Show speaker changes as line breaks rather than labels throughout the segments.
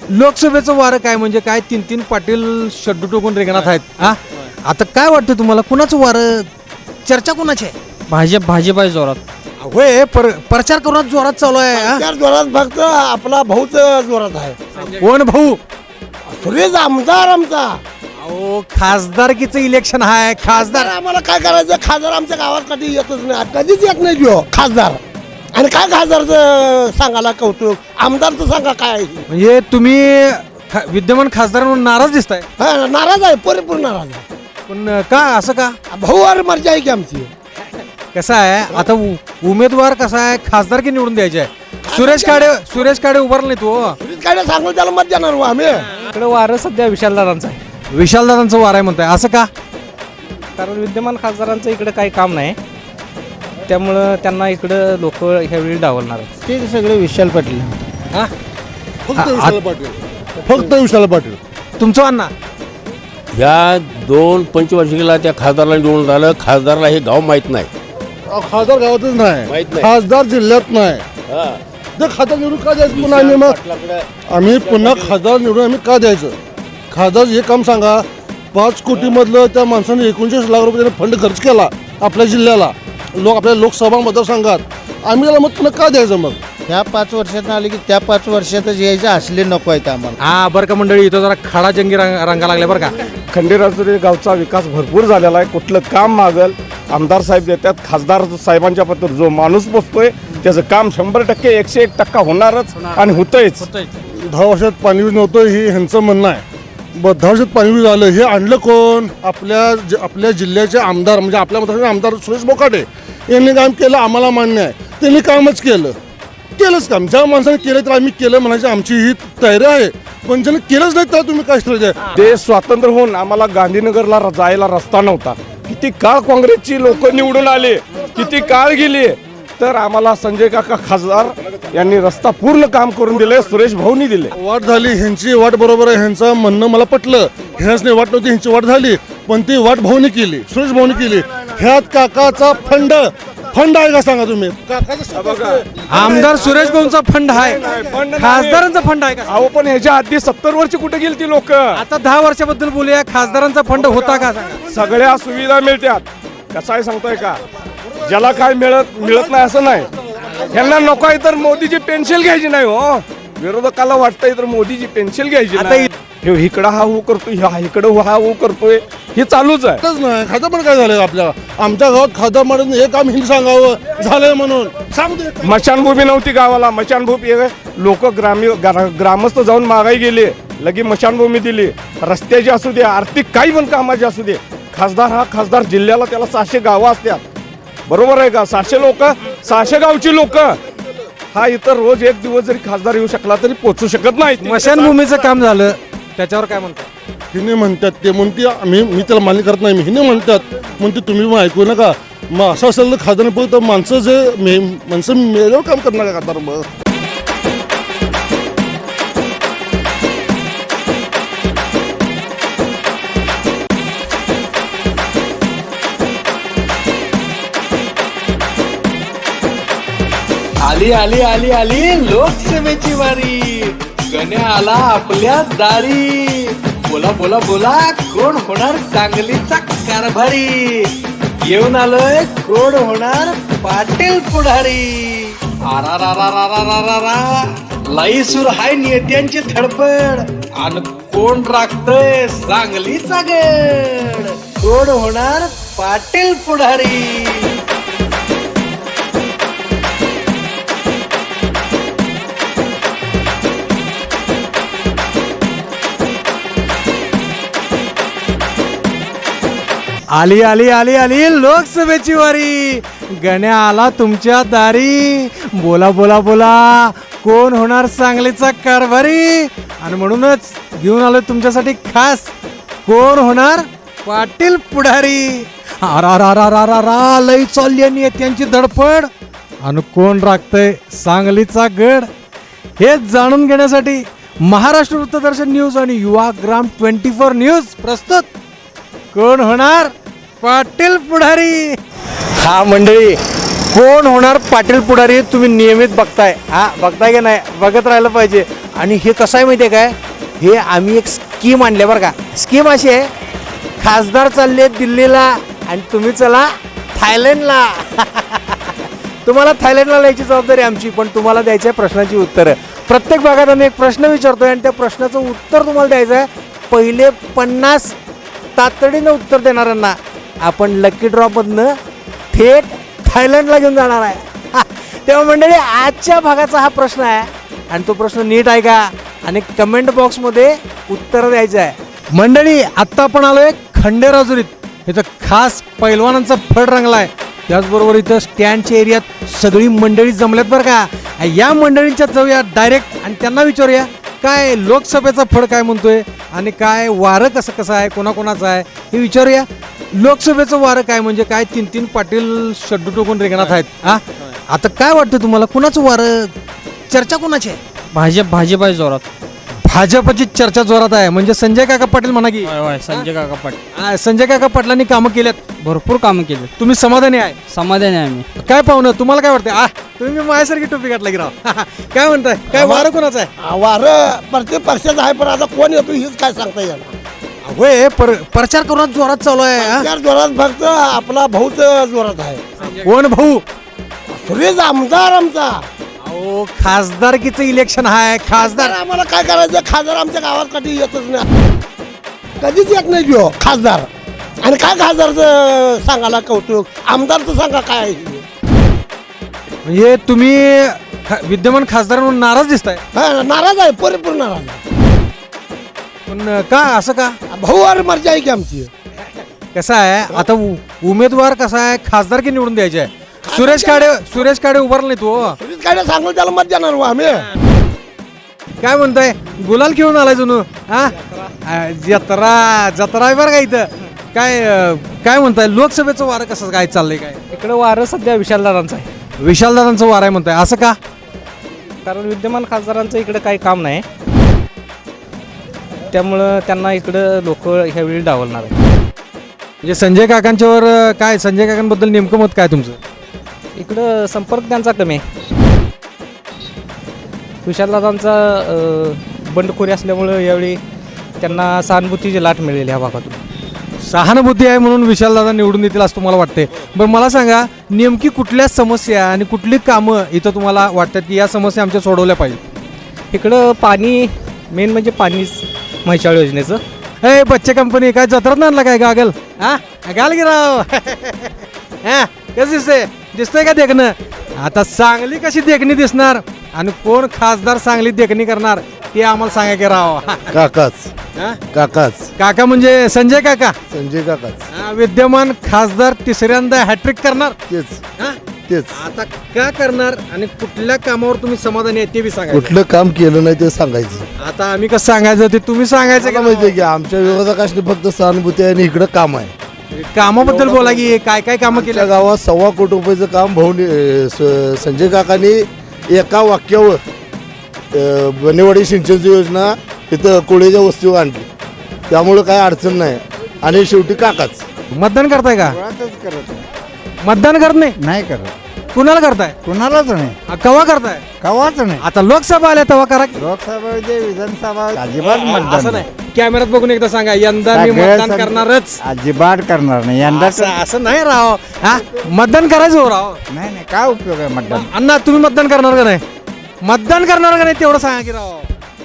लोकसभेचं वारं काय म्हणजे काय? 3 पाटील शड्डू टोकून रिंगणात आहेत. हा, आता काय वाटतं तुम्हाला, कुणाचं वारं, चर्चा कुणाची आहे?
भाजप आहे जोरात.
होय, प्रचार करून जोरात चालू आहे. हा?
त्या जोरात फक्त आपला भाऊच जोरात आहे.
कोण भाऊ?
सुरेश आमदार आमचा.
अहो, खासदारकीचं इलेक्शन आहे. खासदार
आम्हाला काय करायचं? खासदार आमच्या गावात कधी येतच नाही, कधीच येत नाही जो खासदार. आणि काय खासदारचं सांगायला कौतुक, आमदारचं सांगा काय आहे?
म्हणजे तुम्ही विद्यमान खासदारांवर नाराज दिसताय.
हा, नाराज आहे, परिपूर्ण नाराज आहे.
पण का असं का?
भाऊ और मर्जी आहे की आमची.
कसं आहे आता उमेदवार कसा आहे, खासदार की निवडून द्यायचे आहे. सुरेश काडे उभारला नाही तो.
काय सांगू त्याला मत देणार हो आम्ही.
इकडे वारं सध्या विशालदारांचं आहे.
विशालदारांचं वार आहे म्हणताय, असं का?
कारण विद्यमान खासदारांचं इकडे काही काम नाही, त्यामुळं त्यांना इकडं लोक ह्यावेळी डावलणार आहेत.
ते सगळे विशाल पाटील.
हा?
फक्त विशाल पाटील.
तुमचं अण्णा?
ह्या 2 पंचवार्षिकीला त्या खासदारला निवडून झालं. खासदारला हे गाव माहीत नाही.
खासदार गावातच नाही,
माहित नाही.
खासदार जिल्ह्यात नाही.
हा.
ते खासदार निवडून का द्यायचं पुन्हा आम्ही? मग आम्ही पुन्हा खासदार निवडून आम्ही का द्यायचं? खासदार हे काम सांगा. 5 कोटी मधलं त्या माणसाने 39 लाख रुपये फंड खर्च केला आपल्या जिल्ह्याला, आपल्या लोकसभा मतदारसंघात. आम्ही त्याला मत पुन्हा का द्यायचं? मग
ह्या 5 वर्षात आले की त्या 5 वर्षातच यायचे असले नको आहेत आम्हाला.
हा, बरं का मंडळी, इथं जरा खडा जंगी रंगा लागल्या बरं का.
खंडेराजुरी गावचा विकास भरपूर झालेला आहे. कुठलं काम मागल आमदार साहेब देतात. खासदार साहेबांच्या पत्र जो माणूस पोचतोय त्याचं काम 100% 101% होणारच आणि होतंयच.
10 वर्षात पाणी नव्हतं हे ह्यांचं म्हणणं आहे. 10 वर्षात पाणी झालं, हे आणलं कोण? आपल्या जिल्ह्याचे आमदार, म्हणजे आपल्या मतदारसंघाचे आमदार सुरेश बोकाटे यांनी काम केलं. आम्हाला मान्य आहे, त्यांनी कामच केलंच काम. ज्या माणसाने केलं तर आम्ही केलं म्हणायची आमची ही तयारी आहे. पण ज्याने केलंच नाही तर तुम्ही काय श्रेय?
ते स्वातंत्र्य होऊन आम्हाला गांधीनगरला जायला रस्ता नव्हता. किती काळ काँग्रेसची लोक निवडून आले, किती काळ गेली, तर आम्हाला संजय काका खासदार यांनी रस्ता पूर्ण काम करून दिले. सुरेश भाऊनी दिले.
वाट झाली ह्यांची, वाट बरोबर आहे. ह्यांचं म्हणणं मला पटलं. ह्याच वाट नव्हती, ह्यांची वाट झाली, पण ती वाट भाऊनी केली, सुरेश भाऊनी केली. ह्यात काकाचा फंड आहे का सांगा तुम्ही?
आमदार सुरेश भाऊंचा फंड आहे, खासदारांचा फंड आहे का?
अहो, पण ह्याच्या आधी 70 वर्ष कुठे गेली ती लोक?
आता 10 वर्षाबद्दल बोलूया. खासदारांचा फंड होता का सांगा?
सगळ्या सुविधा मिळतात. कसं आहे सांगताय का? ज्याला काय मिळत नाही असं नाही. ह्यांना नको आहे तर मोदीची पेन्शन घ्यायची नाही हो. विरोधकाला वाटतंय तर मोदीची पेन्शन घ्यायची. आता इकडं हा हो करतोय, इकडं हा हो करतोय, हे चालूच आहे.
नाही खासदार पण काय झालं आपल्या आमच्या गावात खासदार म्हणून हे काम हिंद सांगावं झालंय म्हणून सांगतो.
मशानभूमी नव्हती गावाला. मशानभूमी लोक ग्रामस्थ जाऊन मागाई गेले, लगे मशानभूमी दिली. रस्त्याची असू दे, आर्थिक काही पण कामाची असू दे. खासदार जिल्ह्याला त्याला 600 गावं असतात. बरोबर आहे का? 600 गावची लोक. हा इतर रोज एक दिवस जरी खासदार येऊ शकला तरी पोचू शकत नाही.
स्मशानभूमीचं काम झालं, त्याच्यावर काय म्हणतात?
हिने म्हणतात ते म्हणते मी त्याला मान्य करत नाही. हिने म्हणतात म्हणते तुम्ही मग ऐकू नका. मग असं असेल तर खासदार तर माणसं मेल्यावर काम करणार का खासदार? मग
आली आली आली आली लोकसभेची वारी. गण्या आला आपल्या दारी. बोला बोला बोला, कोण होणार सांगलीचा कारभारी? येऊन आलोय, कोण होणार पाटील पुढारी? लाई सुर हाय नेत्यांची धडपड, आणि कोण राखतोय सांगलीचा गड? कोण होणार पाटील पुढारी?
आली आली आली आली लोकसभेची वारी. गण्या आला तुमच्या दारी. बोला बोला बोला, कोण होणार सांगलीचा कारभारी? आणि म्हणूनच घेऊन आलोय तुमच्यासाठी खास, कोण होणार पाटील पुढारी? लई चालली नेत्यांची धडपड, आणि कोण राखतंय सांगलीचा गड? हे जाणून घेण्यासाठी महाराष्ट्र वृत्तदर्शन न्यूज आणि युवाग्राम 24 न्यूज प्रस्तुत, कोण होणार पाटील पुढारी?
हा मंडळी,
कोण होणार पाटील पुढारी तुम्ही नियमित बघताय, बघताय की नाही, बघत राहिलं पाहिजे. आणि हे कसं आहे माहिती आहे काय, हे आम्ही एक स्कीम आणली बरं का. स्कीम अशी आहे, खासदार चालले दिल्लीला आणि तुम्ही चला थायलंडला. तुम्हाला थायलंडला जायची जबाबदारी आमची, पण तुम्हाला द्यायची आहे प्रश्नाची उत्तरं. प्रत्येक भागात आम्ही एक प्रश्न विचारतोय आणि त्या प्रश्नाचं उत्तर तुम्हाला द्यायचं आहे. पहिले 50 तातडीनं उत्तर देणाऱ्यांना आपण लकी ड्रॉपमधनं थेट थायलंडला घेऊन जाणार आहे. तेव्हा मंडळी, आजच्या भागाचा हा प्रश्न आहे आणि तो प्रश्न नीट आहे का आणि कमेंट बॉक्समध्ये उत्तर द्यायचं आहे. मंडळी, आत्ता आपण आलोय खंडेराजुरीत. इथं खास पैलवानांचा फड रंगला आहे. त्याचबरोबर इथं स्टँडच्या एरियात सगळी मंडळी जमल्यात बरं का. या मंडळींच्यात जाऊया डायरेक्ट आणि त्यांना विचारूया काय लोकसभेचा फड काय म्हणतोय आणि काय वारं कसं कसं आहे, कोणाकोणाचं आहे हे विचारूया. लोकसभेचं वारं काय म्हणजे काय, 3 पाटील शड्डू टोकून रेंगणात आहेत. आता काय वाटतं तुम्हाला, कुणाचं वारं, चर्चा कोणाची आहे?
भाजप आहे जोरात.
भाजपची चर्चा जोरात आहे म्हणजे संजय काका पाटील म्हणा की.
संजय काका पाटील
संजय काका पाटलांनी कामं केल्यात,
भरपूर कामं केले.
तुम्ही समाधानी आहे?
समाधानी आहे आम्ही.
काय पाहुणं, तुम्हाला काय वाटतं? तुम्ही माझ्यासारखी टोपी घातला की राव. काय म्हणताय, काय वारं कोणाचं आहे?
वारं प्रत्येक पक्षाचं आहे, पण आता कोण येतो हेच काय सांगता येणार.
होय, प्रचार करून जोरात चालू आहे.
त्याच जोरात फक्त आपला भाऊच जोरात आहे.
कोण भाऊ?
सुरेश आमदार आमचा.
अहो, खासदारकीचं इलेक्शन आहे. खासदार
आम्हाला काय करायचं, खासदार आमच्या गावात कधी येतच नाही, कधीच येत नाही जो खासदार. आणि काय खासदारचं सांगायला कौतुक, आमदारचं सांगा काय आहे.
म्हणजे तुम्ही विद्यमान खासदार म्हणून नाराज दिसताय.
नाराज आहे, परिपूर्ण नाराज आहे.
पण का असं का?
भाऊवर मर्जी आहे की आमची.
कसं आहे आता, उमेदवार कसा आहे, खासदार की निवडून द्यायचे आहे. सुरेश काडे उभारला नाही तो.
सुरेश काय सांगू त्याला मत देणार हो आम्ही.
काय म्हणताय, गुलाल खेळून आलाय जणू. जत्रा आहे बरं का इथं. काय म्हणताय, लोकसभेचं वारं कसं काय चाललंय? काय
इकडं वारं सध्या विशालदादांचं आहे.
विशालदादांचं वारं आहे म्हणताय, असं का?
कारण विद्यमान खासदारांचं इकडं काही काम नाही, त्यामुळं त्यांना इकडं लोक ह्यावेळी डावलणार आहे.
म्हणजे संजय काकांच्यावर काय, संजय काकांबद्दल नेमकं मत काय तुमचं?
इकडं संपर्क त्यांचा कमी आहे. विशालदादांचा बंडखोरी असल्यामुळं यावेळी त्यांना सहानुभूतीची लाट मिळेल ह्या भागातून.
सहानुभूती आहे म्हणून विशालदादा निवडून येतील असं तुम्हाला वाटते? बरं, मला सांगा, नेमकी कुठल्या समस्या आणि कुठली कामं इथं तुम्हाला वाटतात की या समस्या आमच्या सोडवल्या पाहिजे?
इकडं पाणी, मेन म्हणजे पाणीच, म्हैसाळ योजनेचं.
हे बच्चे कंपनी काय जत्रात आणला काय गागल? गाल की राव. कसं दिसतंय का देखणं? आता सांगली कशी देखणी दिसणार आणि कोण खासदार सांगली देखणी करणार ते आम्हाला सांगा की राव.
काकाच
काका म्हणजे संजय काका.
संजय काकाच
विद्यमान खासदार तिसऱ्यांदा हॅट्रिक करणार.
तेच.
आता का करणार आणि कुठल्या कामावर तुम्ही समाधानी आहे ते बी सांगा.
कुठलं काम केलं नाही ते सांगायचं.
आता आम्ही कसं सांगायचं ते तुम्ही सांगायचं का?
माहितीये की आमच्या विरोधकाशी फक्त सहानुभूती आहे आणि इकडं काम आहे.
कामाबद्दल बोला की काय काय कामं केली?
आमच्या गावात 1.25 कोटी रुपयाचं काम संजय काकांनी एका वाक्यावर बनेवाडी सिंचनची योजना इथं कोळीच्या वस्तीवर आणली. त्यामुळं काय अडचण नाही आणि शेवटी काकाच.
मतदान करताय का? मतदान करत नाही
करत,
कुणाला करताय?
कुणालाच नाही,
कवा करताय?
कवाच नाही.
आता लोकसभा आल्या तेव्हा करा की.
लोकसभा विधानसभा
असं नाही, कॅमेऱ्यात बघून एकदा सांगा, यंदा मी मतदान करणारच.
अजिबात करणार नाही यंदा.
असं नाही राव. मतदान करायचं हो राव.
नाही काय उपयोग आहे मतदान.
अण्णा, तुम्ही मतदान करणार का नाही? मतदान करणार का नाही तेवढं सांगा की राव.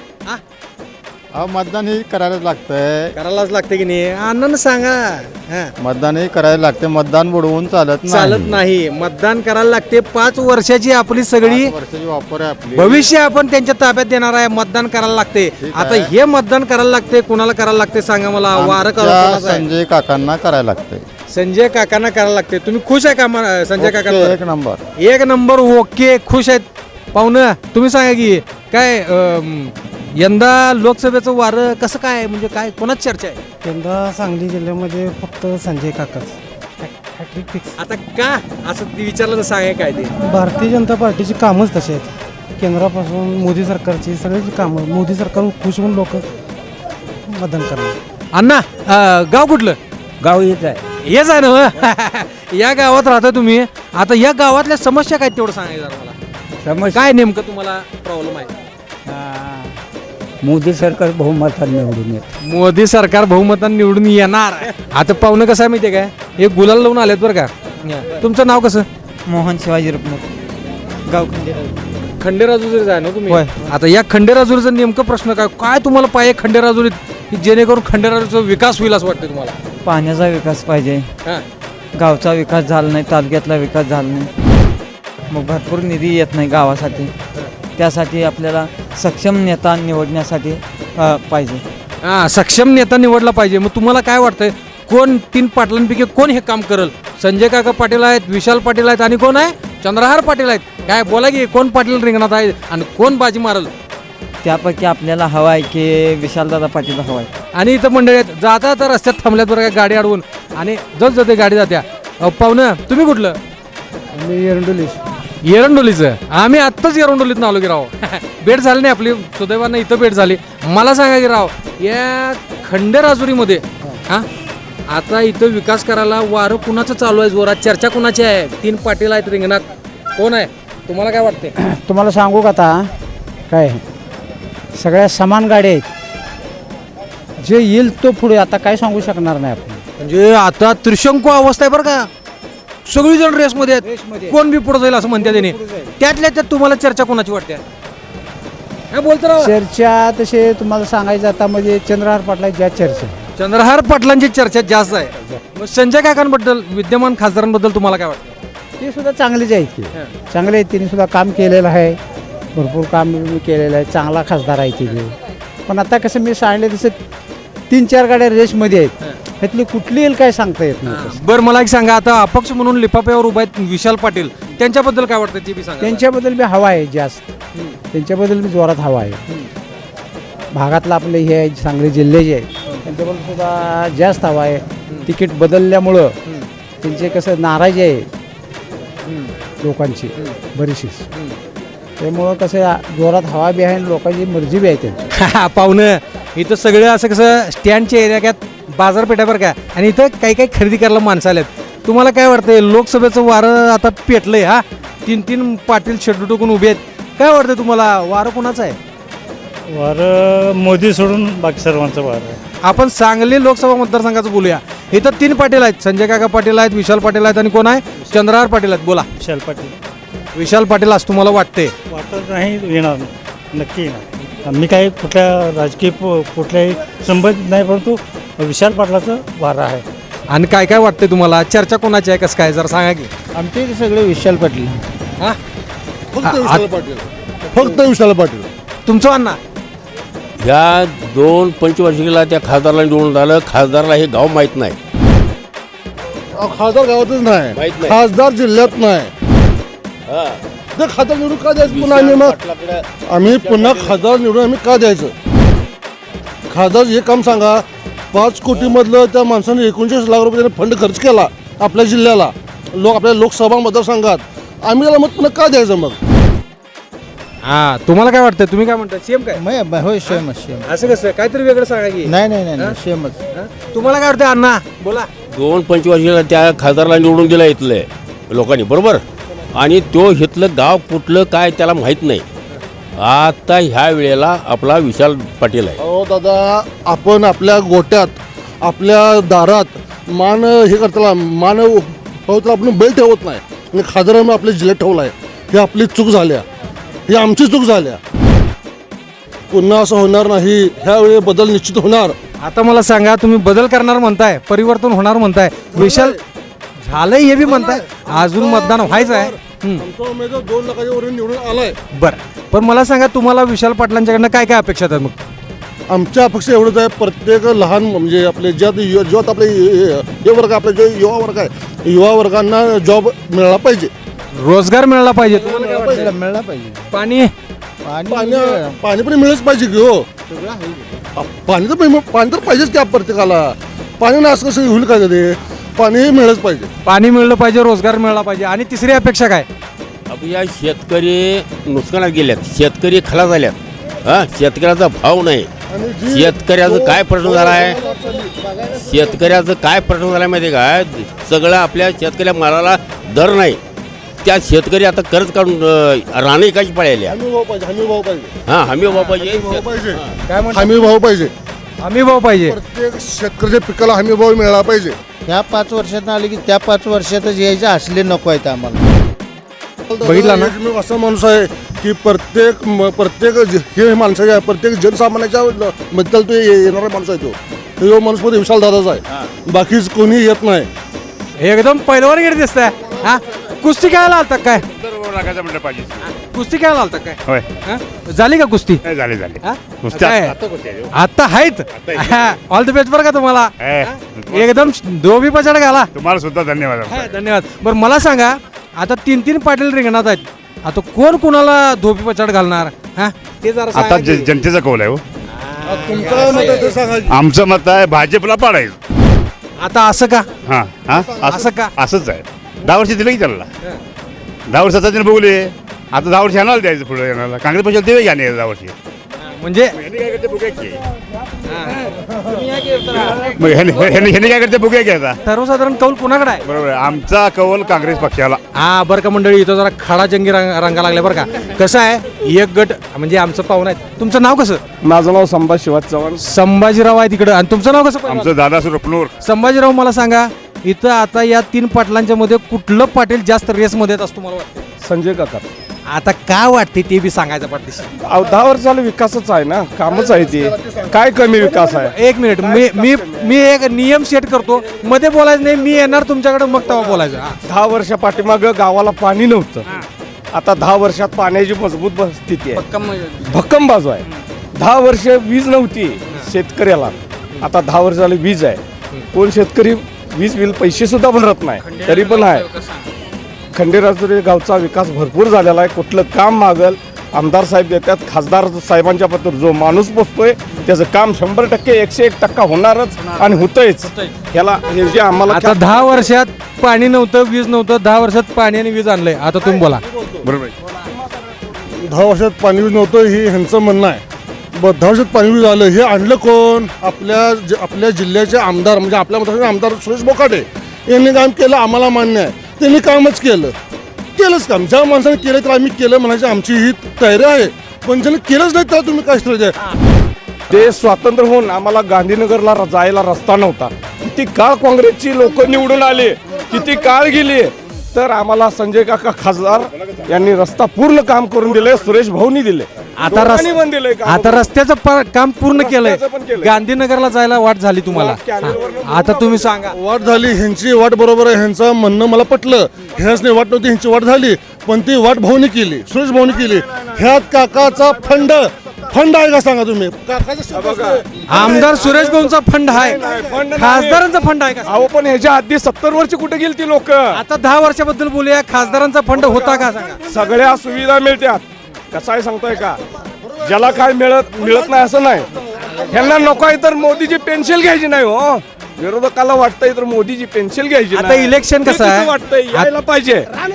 मतदान ही करायलाच लागतंय.
करायलाच लागते की नाही? अण्णांना सांगा.
मतदान ही करायला लागते. मतदान बुडवून
चालत नाही. मतदान करायला लागते. 5 वर्षाची आपली सगळी
वर्षाची वापर आहे आपली.
भविष्य आपण त्यांच्या ताब्यात देणार आहे. मतदान करायला लागते. आता हे मतदान करायला लागते, कुणाला करायला लागते सांगा मला. वारं करायला
संजय काकांना करायला लागतंय.
संजय काकांना करायला लागते. तुम्ही खुश आहे का संजय काकांना?
एक नंबर.
1 नंबर. ओके, खुश आहेत पाहुणं. तुम्ही सांगा की काय यंदा लोकसभेचं वारं कसं काय, म्हणजे काय कोणाच चर्चा आहे?
यंदा सांगली जिल्ह्यामध्ये फक्त संजय काकाच हॅट्रिक फिक्स.
आता का असं विचारलं तर सांगा काय ते?
भारतीय जनता पार्टीची कामच तशी आहेत. केंद्रापासून मोदी सरकारची सगळ्याची कामं, मोदी सरकार खुश होऊन लोक मतदान करणार.
अण्णा, गाव कुठलं?
गाव येत आहे.
हेच आहे ना या गावात राहता तुम्ही. आता या गावातल्या समस्या काय तेवढं सांगायचं जरा मला. काय नेमकं तुम्हाला प्रॉब्लेम आहे?
मोदी सरकार बहुमताने निवडून येत.
मोदी सरकार बहुमताने निवडून येणार. आता पाहुणं कसं आहे माहितीये काय, हे गुलाल लावून आलेत बरं का. तुमचं नाव कसं?
मोहन शिवाजी रुपमुख, गाव
खंडेराजुरीच आहे ना तुम्ही?
होय.
आता या खंडेराजुरीचा नेमकं प्रश्न काय काय तुम्हाला पाहिजे खंडेराजुरीत, की जेणेकरून खंडेराजुरीचा विकास होईल असं वाटतं तुम्हाला?
पाण्याचा विकास पाहिजे,
हां.
गावचा विकास झाला नाही, तालुक्यातला विकास झाला नाही, मग भरपूर निधी येत नाही गावासाठी. त्यासाठी आपल्याला सक्षम नेता निवडण्यासाठी पाहिजे.
हां, सक्षम नेता निवडला पाहिजे. मग तुम्हाला काय वाटतंय कोण 3 पाटलांपैकी कोण हे काम करेल? संजय काका पाटील आहेत, विशाल पाटील आहेत आणि कोण आहे? चंद्रहार पाटील आहेत. काय बोला की कोण पाटील रिंगणात आहे आणि कोण बाजी मारल?
त्यापैकी आपल्याला हवा आहे की विशालदादा पाटील हवा आहे.
आणि इथं मंडळी आहेत, जाता तर रस्त्यात थांबल्यात बरं का गाडी अडवून, आणि जस जाते गाडी जात्या. पाहुणं तुम्ही कुठलं?
मी एरंडोली.
एरंडोलीचं. आम्ही आत्ताच एरंडोलीत आलो की राव. भेट झाली नाही आपली, सुदैवानं इथं भेट झाली. मला सांगा की राव, या खंडेराजुरीमध्ये हां आता इथं विकास करायला वारं कुणाचं चालू आहे जोरात? चर्चा कुणाची आहे? 3 पाटील आहेत रिंगणात, कोण आहे? तुम्हाला काय वाटते?
तुम्हाला सांगू का आता काय, सगळ्या समान गाड्या आहेत, जे येईल तो पुढे. आता काय सांगू शकणार नाही आपण.
म्हणजे आता त्रिशंकू अवस्था आहे बरं का. सगळीजण रेसमध्ये आहेत, कोण बी पुढे जाईल असं म्हणते त्याने. त्यातल्या त्यात तुम्हाला चर्चा कोणाची वाटते? काय बोलतो राव?
चर्चा तसे तुम्हाला सांगायचं आता म्हणजे चंद्रहार पाटला ज्या चर्चा.
चंद्रहार पाटलांची चर्चा जास्त आहे. मग संजय काकांबद्दल, विद्यमान खासदारांबद्दल तुम्हाला काय वाटतं?
ते सुद्धा चांगलेच आहेत की, चांगले आहेत. त्यांनी सुद्धा काम केलेलं आहे, भरपूर काम केलेलं आहे, चांगला खासदार आहे तिथे. पण आता कसं मी सांगितलं तसं 3-4 गाड्या रेसमध्ये आहेत, ह्यातली कुठली येईल काय सांगता येत नाही.
बरं मला एक सांगा, आता अपक्ष म्हणून लिफाफ्यावर उभा आहेत विशाल पाटील, त्यांच्याबद्दल काय वाटतं ते बी सांगा.
त्यांच्याबद्दल मी हवा आहे जास्त, त्यांच्याबद्दल मी जोरात हवा आहे. भागातलं आपले हे आहे, सांगली जिल्हे जे आहेत त्यांच्याबद्दल सुद्धा जास्त हवा आहे. तिकीट बदलल्यामुळं त्यांचे कसं नाराजी आहे लोकांची बरीचशीच, त्यामुळं कसं जोरात हवा बी आहे आणि लोकांची मर्जी बी आहे त्यांची.
पाहुणं इथं सगळं असं कसं स्टँडच्या एरियात बाजारपेठावर का, आणि इथं काही काही खरेदी करायला माणसं आल्यात. तुम्हाला काय वाटतंय लोकसभेचं वारं आता पेटलंय? हा 3 पाटील शेड्यू टोकून उभे आहेत. काय वाटतं तुम्हाला वारं कोणाचं आहे?
वारं मोदी सोडून बाकी सर्वांचं वारं आहे.
आपण सांगली लोकसभा मतदारसंघाचं बोलूया. इथं 3 पाटील आहेत, संजय काका पाटील आहेत, विशाल पाटील आहेत आणि कोण आहे? चंद्रहार पाटील आहेत. बोला.
विशाल पाटील.
विशाल पाटील असं तुम्हाला वाटते?
वाटत नाही येणार, नक्की येणार. मी काही कुठल्या राजकीय कुठल्याही संबंधित नाही, परंतु विशाल पाटलाचं वारं आहे.
आणि काय काय वाटते तुम्हाला? चर्चा कोणाची आहे, कसं काय जरा सांगा की.
आमच्या इथे सगळे विशाल पाटील.
हा
फक्त विशाल पाटील, फक्त विशाल पाटील.
तुमचं अण्णा?
ह्या 2 पंचवार्षिकीला त्या खासदारला निवडून आलं. खासदारला हे गाव माहीत नाही.
खासदार गावातच
माहित
नाही,
नाही.
खासदार जिल्ह्यात नाही.
हा.
ते खासदार निवडून का द्यायचं पुन्हा? आम्ही मग आम्ही पुन्हा खासदार निवडून आम्ही का द्यायचं? खासदार हे काम सांगा, 5 कोटीमधलं त्या माणसाने 39 लाख रुपये फंड खर्च केला आपल्या जिल्ह्याला, आपल्या लोकसभा मतदारसंघात. आम्ही त्याला मग पुन्हा का द्यायचं मग?
हा तुम्हाला काय वाटतं? तुम्ही काय म्हणता? सेम काय?
होय सेमच सेम.
असं कसं काहीतरी वेगळं सांगा की.
नाही नाही नाही सेमच.
तुम्हाला काय वाटतं अण्णा? बोला.
2 पंचवार्षिकीला त्या खासदारला निवडून दिलं इथले लोकांनी, बरोबर. आणि तो इथलं गाव कुठलं काय त्याला माहीत नाही. आता ह्या वेळेला आपला विशाल पाटील आहे.
अहो दादा, आपण आपल्या गोट्यात, आपल्या दारात मान हे करताना मान हो तर आपण बैल ठेवत नाही, आणि खासदारांनी आपल्या जिल्ह्यात ठेवला आहे. ही आपली चूक झाल्या, ही आमची चूक झाल्या. पुन्हा असं होणार नाही. ह्यावेळी बदल निश्चित होणार.
आता मला सांगा, तुम्ही बदल करणार म्हणताय, परिवर्तन होणार म्हणताय, विशाल झालंय हे बी म्हणताय, अजून मतदान व्हायचं आहे.
आमचा उमेदवार 2 लाखाच्या वरून निवडून आलाय.
बरं, पण मला सांगा तुम्हाला विशाल पाटलांच्याकडनं काय काय अपेक्षा आहेत? मग
आमच्या अपेक्षा एवढंच आहे, प्रत्येक लहान म्हणजे आपले ज्यात आपले हे वर्ग, आपले जे युवा वर्ग आहे, युवा वर्गांना जॉब मिळाला पाहिजे,
रोजगार मिळाला पाहिजे. तुम्हाला काय वाटतं?
मिळाला पाहिजे.
पाणी
पाणी पण मिळच पाहिजे की हो. पाणी तर पाहिजेच की प्रत्येकाला. पाणी ना असं कसं होईल का? ते पाणी मिळच पाहिजे.
पाणी मिळलं पाहिजे, रोजगार मिळाला पाहिजे. आणि तिसरी अपेक्षा काय?
अब या शेतकरी नुकसानात गेल्यात, शेतकरी खलास झाल्यात. हा शेतकऱ्याचा भाव नाही.
आणि जी-
शेतकऱ्याचं काय प्रश्न झाला आहे शेतकऱ्याचं काय प्रश्न झाला माहिती आहे का सगळं आपल्या शेतकऱ्या मालाला दर नाही त्या शेतकरी आता कर्ज काढून राणे एकाची पळायल्या
हमी भाव पाहिजे हमी भाव पाहिजे
हां हमी भाव पाहिजे
भाव पाहिजे
काय म्हणतो
हमी भाव पाहिजे
आम्ही भाऊ पाहिजे
प्रत्येक शेतकऱ्याच्या पिकाला हमी भाव मिळाला पाहिजे
ह्या 5 वर्षात आले की त्या 5 वर्षातच यायचे असले नको आहेत आम्हाला
बघितला ना?
मी असा माणूस आहे की प्रत्येक हे माणसाच्या प्रत्येक जनसामान्याच्या बद्दल तो येणारा माणूस आहे तो माणूस मध्ये विशाल दादाचा आहे बाकीच कोणी येत नाही
एकदम पहिलवान गेट दिसतंय हा कुस्ती खेळायला आलता काय
म्हणलं पाहिजे
कुस्ती खेळायला आलता काय
होय
हा? झाली का कुस्ती
झाले झाले
हा?
कुस्ती
काय? आता आहेत ऑल द बेस्ट बरं का तुम्हाला
ए,
एकदम धोबी पछाड घाला
तुम्हाला सुद्धा धन्यवाद
हा, धन्यवाद बरं मला सांगा आता 3 पाटील रिंगणात आहेत आता कोण कोणाला धोबी पछाड घालणार हा ते जरा
आता
सांगा की.
जनतेचा कौल आहे हो
तुमचं मत आहे ते सांगा की.
आमचं मत आहे भाजपला पाडायचं
आता असं का
हां हां
असं का?
असंच आहे 10 वर्ष दिलं की त्याला 10 वर्षाचा त्याने बघूले आता 10 वर्ष येणार द्यायचं पुढे येणार काँग्रेस पक्षाला देवे घ्या 10 वर्षी
म्हणजे
ह्यांनी काय करते बघूया की मग ह्यांनी काय करते बघूया की आता
सर्वसाधारण कौल कुणाकडे आहे
बरोबर आहे आमचा कौल काँग्रेस पक्षाला
हा बरं का मंडळी इथं जरा खडा जंगी रंगा लागल्या बरं का कसं आहे एक गट म्हणजे आमचं पाहुणं आहे तुमचं नाव कसं
माझं नाव संभाजी शिवाजी चव्हाण
संभाजीराव आहे तिकडं आणि तुमचं नाव कसं पहिलवान?
आमचं दादा सुरपनूर
संभाजीराव मला सांगा इथं आता या 3 पाटलांच्या मध्ये कुठलं पाटील जास्त रेसमध्ये येत असतो मला वाटतं
संजय काका
आता काय वाटते ते बी सांगायचं पाठीशी
10 वर्ष झालं विकासच आहे ना कामच आहे ते काय कमी विकास आहे
एक मिनिट मी एक नियम सेट करतो मध्ये बोलायचं नाही मी येणार तुमच्याकडे मग तेव्हा बोलायचं हा.
10 वर्षा पाठीमागं गावाला पाणी नव्हतं आता 10 वर्षात पाण्याची मजबूत स्थिती आहे भक्कम बाजू आहे 10 वर्ष वीज नव्हती शेतकऱ्याला आता 10 वर्ष झाली वीज आहे कोण शेतकरी वीज बिल पैसे सुद्धा भरत नाही तरी पण आहे खंडेराजुरी गावचा विकास भरपूर झालेला आहे कुठलं काम मागल आमदार साहेब देतात खासदार साहेबांच्या पत्र जो माणूस पोचतोय त्याचं काम 100% 101% होणारच आणि होतंयच ह्याला हे जे आम्हाला
आता 10 वर्षात पाणी नव्हतं वीज नव्हतं 10 वर्षात पाणी आणि वीज आणलंय आता तुम्ही बोला
बरोबर आहे.
10 वर्षात पाणी वीज नव्हतं हे ह्यांचं म्हणणं आहे 10 वर्षात पाणी वीज आलं हे आणलं कोण आपल्या जिल्ह्याचे आमदार म्हणजे आपल्या मतदारसंघाचे आमदार सुरेश बोकाटे यांनी काम केलं आम्हाला मान्य आहे त्यांनी कामच केलंच काम ज्या माणसाने केलं तर आम्ही केलं म्हणायची आमची ही तयारी आहे पण ज्याने केलंच नाही तर तुम्ही काय श्रेय द्या
ते स्वातंत्र्य होऊन आम्हाला गांधीनगरला जायला रस्ता नव्हता किती काळ काँग्रेसची लोक निवडून आले किती काळ गेली तर आम्हाला संजय काका खासदार यांनी रस्ता पूर्ण काम करून दिले सुरेश भाऊनी दिले
आता
दोघांनी पण दिलंय काम.
आता रस्त्याचं काम पूर्ण केलंय
रस्त्याचं पण केलंय.
गांधीनगरला जायला वाट झाली तुम्हाला हा. आता तुम्ही सांगा
वाट झाली ह्यांची वाट बरोबर आहे ह्यांचं म्हणणं मला पटलं ह्याच नाही वाट नव्हती ह्यांची वाट झाली पण ती वाट भाऊनी केली सुरेश भाऊनी केली ह्यात काकाचा फंड आहे का सांगा तुम्ही काकाचा शब्द असतो.
आमदार सुरेश भाऊंचा फंड आहे
फंड नाही.
खासदारांचा फंड आहे का
अहो पण ह्याच्या आधी 70 वर्ष कुठे गेली ती लोक
आता 10 वर्षाबद्दल बोलूया खासदारांचा फंड होता का सांगा
सगळ्या सुविधा मिळतात कसं आहे सांगतोय का ज्याला काय मिळत नाही असं नाही ह्यांना नको आहे तर मोदीची पेन्शन घ्यायची नाही हो विरोधकाला वाटतंय तर मोदीची पेन्शन घ्यायची
आता
नाही.
इलेक्शन कसं
ते
आहे?
वाटतंय यायला पाहिजे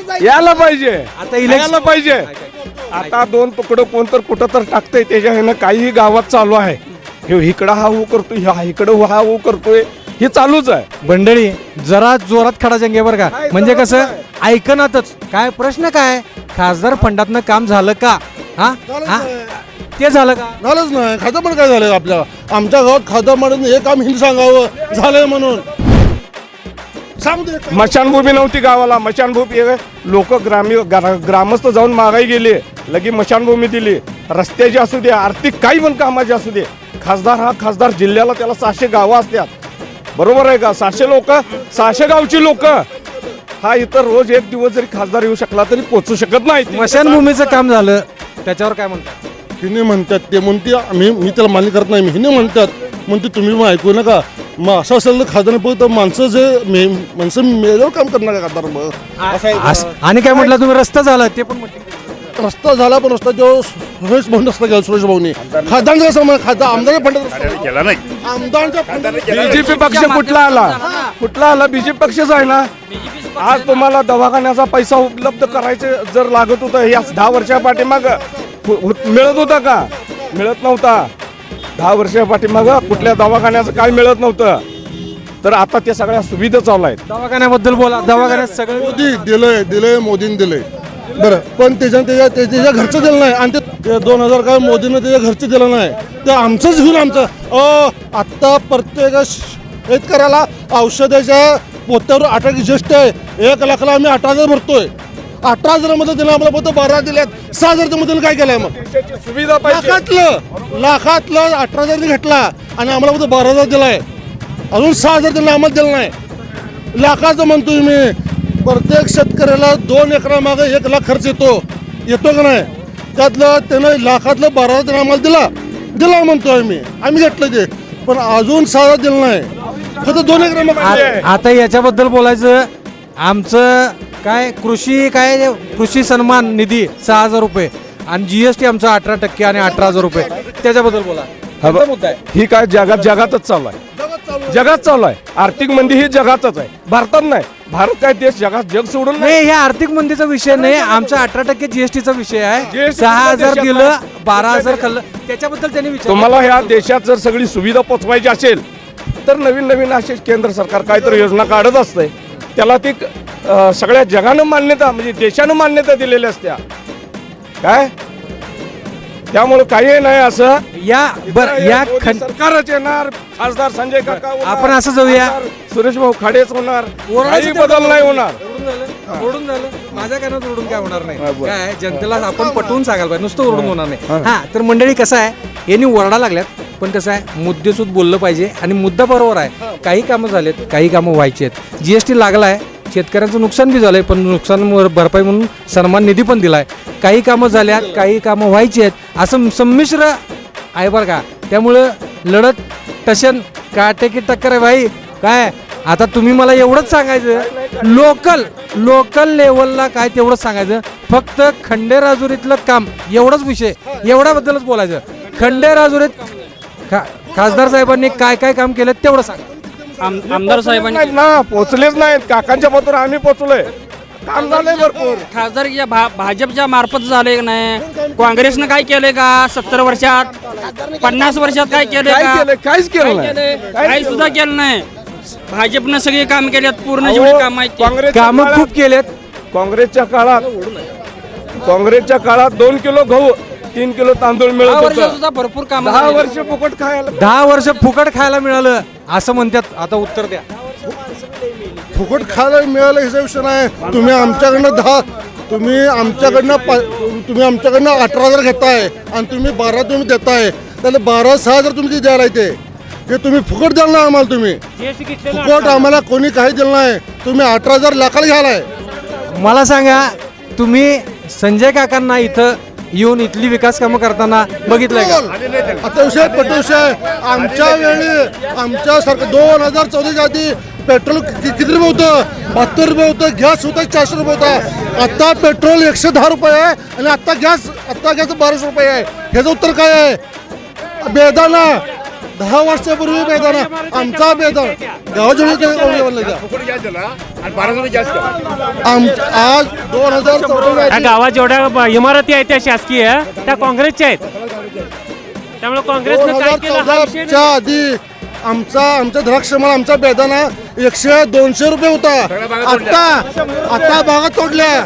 आता इलेक्शन-
यायला पाहिजे आता 2 तुकडं कोण तर कुठं तर टाकतंय त्याच्या ह्यानं काही गावात चालू आहे हे इकडं हा हो करतोय हा इकडं हा हो करतोय हे चालूच आहे
मंडळी जरा जोरात खडा जंगे बरं का म्हणजे कसं ऐकनातच काय प्रश्न काय खासदार फंडातनं काम झालं का हा ते झालं का
झालंच नाही खातं पण काय झालं आपल्या आमच्या गावात खातं म्हणून हे काम हिंदी सांगावं झालंय म्हणून सांगू दे
मशानभूमी नव्हती गावाला मशानभूमी लोक ग्रामस्थ जाऊन मागाई गेले लगी मशानभूमी दिली रस्त्याची असू दे आर्थिक काही पण कामाची असू दे खासदार जिल्ह्याला त्याला 600 गावं असतात बरोबर आहे का 600 गावची लोक हा इतर रोज एक दिवस जरी खासदार येऊ शकला तरी पोहोचू शकत नाही
स्मशानभूमीचं काम झालं त्याच्यावर काय म्हणतात
हिने म्हणतात ते म्हणते मी त्याला मान्य करत नाही हिने म्हणतात म्हणते तुम्ही मग ऐकू नका मग असं असेल तर खासदार तर माणसं मेल्यावर काम करणार का खासदार मग
आणि काय म्हटलं तुम्ही रस्ता झाला ते पण म्हटलं
रस्ता झाला पण रस्ता जो सुरेश भाऊ रस्ता गेला सुरेश भाऊनी खासदारांचा समान खासदार आमदारच्या फंडात
केला नाही
आमदारांच्या फंडात
बीजेपी पक्ष कुठला आला बीजेपी पक्षच आहे ना आज तुम्हाला दवाखान्याचा पैसा उपलब्ध करायचे जर लागत होतं या 10 वर्षा पाठीमाग मिळत होता का मिळत नव्हता 10 वर्षा पाठीमागं कुठल्या दवाखान्याचं काय मिळत नव्हतं, तर आता त्या सगळ्या सुविधा चालू आहेत.
दवाखान्याबद्दल बोला. दवाखान्यात सगळं
मोदी दिलंय मोदीने दिलंय बरं, पण त्याच्या घरचं दिलं नाही. आणि ते 2000 काय मोदीनं त्याच्या घरचं दिलं नाही, ते आमचंच घेऊन आमचं आत्ता प्रत्येक शेतकऱ्याला औषधाच्या पोत्यावर 8 ज्येष्ठ आहे. 1 लाखाला आम्ही 18,000 भरतोय. 18,000 मध्ये दिलं आम्हाला फक्त 12 दिल्यात. 6,000 मध्ये काय केलंय मग?
देशाची सुविधा पाहिजे.
लाखातलं 18,000 घेतला आणि आम्हाला फक्त 12,000 दिलाय. अजून 6,000 दिलं आम्हाला दिलं नाही. लाखाचं म्हणतोय मी. प्रत्येक शेतकऱ्याला 2 एकरामागे 1 लाख खर्च येतो का नाही? त्यातलं त्यानं लाखातलं 12,000 आम्हाला दिला म्हणतोय आम्ही घेतलं ते, पण अजून 6,000 दिलं नाही. फक्त 2 एकरामागे.
आता याच्याबद्दल बोलायचं. आमचं काय कृषी सन्मान निधी 6,000 रुपये आणि GST आमचा 18% आणि 18,000 रुपये. त्याच्याबद्दल बोला. कोणता मुद्दा आहे?
ही काय जगातच चालू आहे. जगात चालू आहे. आर्थिक मंदी ही जगातच आहे, भारतात नाही. भारत काय देश जग सोडून नाही.
नाही, हे आर्थिक मंदीचा विषय नाही. आमचा 18% GSTचा विषय आहे.
GST
6,000 दिलं, 12,000 खाल्लं. त्याच्याबद्दल त्यांनी विचार.
तुम्हाला ह्या देशात जर सगळी सुविधा पोचवायची असेल तर नवीन असे केंद्र सरकार काहीतरी योजना काढत असते. त्याला ती सगळ्या जगानं मान्यता, म्हणजे देशानं मान्यता दिलेल्या असत्या काय. त्यामुळे काही नाही असं.
या
सरकारच येणार, खासदार संजय काका होणार,
आपण असं जाऊया.
खासदार सुरेश भाऊ खाडेच होणार, काही
ओरडायचं
बदल नाही होणार.
ओरडून झालं. माझ्या कानात ओरडून काय होणार नाही. काय जनतेला आपण पटवून सांगायला पाहिजे, नुसतं ओरडून होणार नाही. हा, तर मंडळी कसं आहे, यांनी ओरडा लागल्यात, पण कसं आहे मुद्देसूद बोललं पाहिजे आणि मुद्दा बरोबर आहे. काही कामं झालेत, काही कामं व्हायची आहेत. GST लागलाय, शेतकऱ्यांचं नुकसान बी झालंय, पण नुकसान भरपाई म्हणून सन्मान निधी पण दिलाय. काही कामं झाल्यात, काही कामं व्हायची आहेत, असं संमिश्र आहे बरं का. त्यामुळं लढत टशन काटेकी टक्कर आहे भाई. काय आता तुम्ही मला एवढंच सांगायचं, लोकल लेवलला काय तेवढंच सांगायचं. फक्त खंडेराजुरीतलं काम एवढंच विषय, एवढ्याबद्दलच बोलायचं. खंडेराजुरीत खासदार साहेबांनी काय काय काम केलं तेवढं सांगा.
आमदार साहेबांनी
नाहीत ना, पोचलेच नाहीत. काकांच्या पत्र आम्ही पोचलोय, काम झालंय भरपूर.
खासदार भाजपच्या मार्फत झाले का नाही? काँग्रेसनं काय केलंय का 70 वर्षात, 50 वर्षात काय केलंय
काय
का?
केलंय? काहीच केलं नाही.
काही सुद्धा केलं नाही. भाजपनं सगळी काम केल्यात, पूर्ण जेवढी काम आहेत ते.
कामं खूप केलेत.
काँग्रेसच्या काळात 2 किलो गहू 3 किलो तांदूळ मिळत
10 वर्षात
होतं.
सुद्धा भरपूर काम
10 वर्ष फुकट खायला.
10 वर्ष फुकट खायला मिळालं असं म्हणतात. आता उत्तर द्या.
फुकट खायला मिळालं ह्याचा विषय नाही. तुम्ही आमच्याकडनं 18,000 घेताय आणि तुम्ही 12 तुम्ही देताय, त्याला 12,000 तुम्ही ते द्यायला ते तुम्ही फुकट द्याल ना आम्हाला. तुम्ही फुकट आम्हाला कोणी काही दिलं नाही. तुम्ही 18,000 लाखाला घ्यालाय.
मला सांगा, तुम्ही संजय काकांना इथं येऊन इथली विकास कामं करताना बघितलंय का?
आता विषय पटविषय आमच्या वेळी आमच्या सरकार 2014च्या आधी पेट्रोल किती रुपये होतं? 72 रुपये होतं. गॅस होता 400 रुपये होता. आता पेट्रोल 110 रुपये आहे आणि आता गॅस 1200 रुपये आहे. ह्याचं उत्तर काय आहे? बेदाना 10 वर्षापूर्वी बेदाना आमचा बेदाना गावाच्या आज 2014
गावात जेवढ्या इमारती आहेत त्या शासकीय त्या काँग्रेसच्या आहेत. त्यामुळे काँग्रेसनं काय केलं हा विषय नाही.
2014च्या आधी आमचा द्राक्षमाल आमचा बेदाना 100-200 रुपये होता. आता बागा तोडल्या.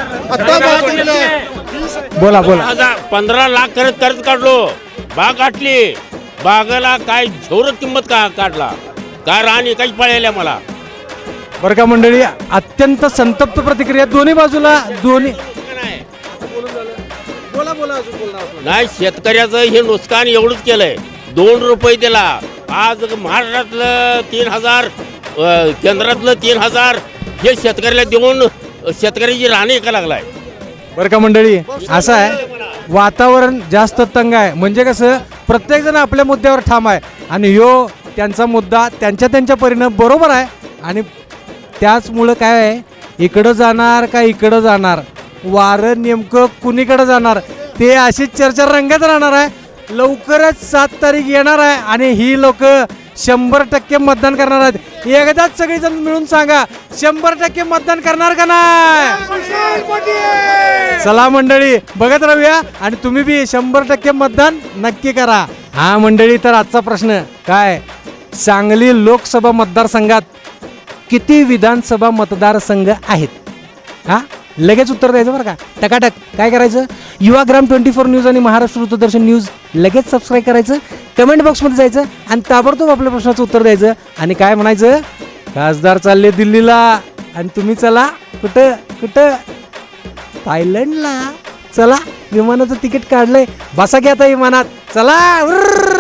बोला.
15 लाख कर्ज काढलो, बाग गाठली. बागाला काय झोर किंमत काढला काय राणी काही पळायला मला.
बरं का मंडळी, अत्यंत संतप्त प्रतिक्रिया दोन्ही बाजूला.
नाही, शेतकऱ्याचं हे नुकसान एवढंच केलंय. 2 रुपये दिला. आज महाराष्ट्रातलं 3,000, केंद्रातलं 3,000 हे शेतकऱ्याला देऊन शेतकऱ्याची राणी का लागलाय.
बरं का मंडळी, असं आहे वातावरण जास्त तंग आहे. म्हणजे कसं, प्रत्येक जण आपल्या मुद्द्यावर ठाम आहे आणि ह्यो त्यांचा मुद्दा त्यांच्या परीनं बरोबर आहे. आणि त्याचमुळं काय आहे, इकडं जाणार का इकडं जाणार, वारं नेमकं कुणीकडं जाणार ते अशीच चर्चा रंगत राहणार आहे. लवकरच 7 तारीख येणार आहे आणि ही लोक 100% मतदान करणार आहेत. एकदाच सगळेजण मिळून सांगा, 100% मतदान करणार का नाही? चला मंडळी, बघत राहूया आणि तुम्ही बी 100% मतदान नक्की करा. हा मंडळी, तर आजचा प्रश्न काय, सांगली लोकसभा मतदारसंघात किती विधानसभा मतदारसंघ आहेत? हा लगेच उत्तर द्यायचं बरं का, टकाटक. काय करायचं, युवाग्राम 24 न्यूज आणि महाराष्ट्र वृत्तदर्शन न्यूज लगेच सबस्क्राईब करायचं, कमेंट बॉक्समध्ये जायचं आणि ताबडतोब आपल्या प्रश्नाचं उत्तर द्यायचं आणि काय म्हणायचं, खासदार चालले दिल्लीला आणि तुम्ही चला कुठं कुठं, थायलंडला. चला, विमानाचं तिकीट काढलंय, बसा घ्या आता विमानात, चला.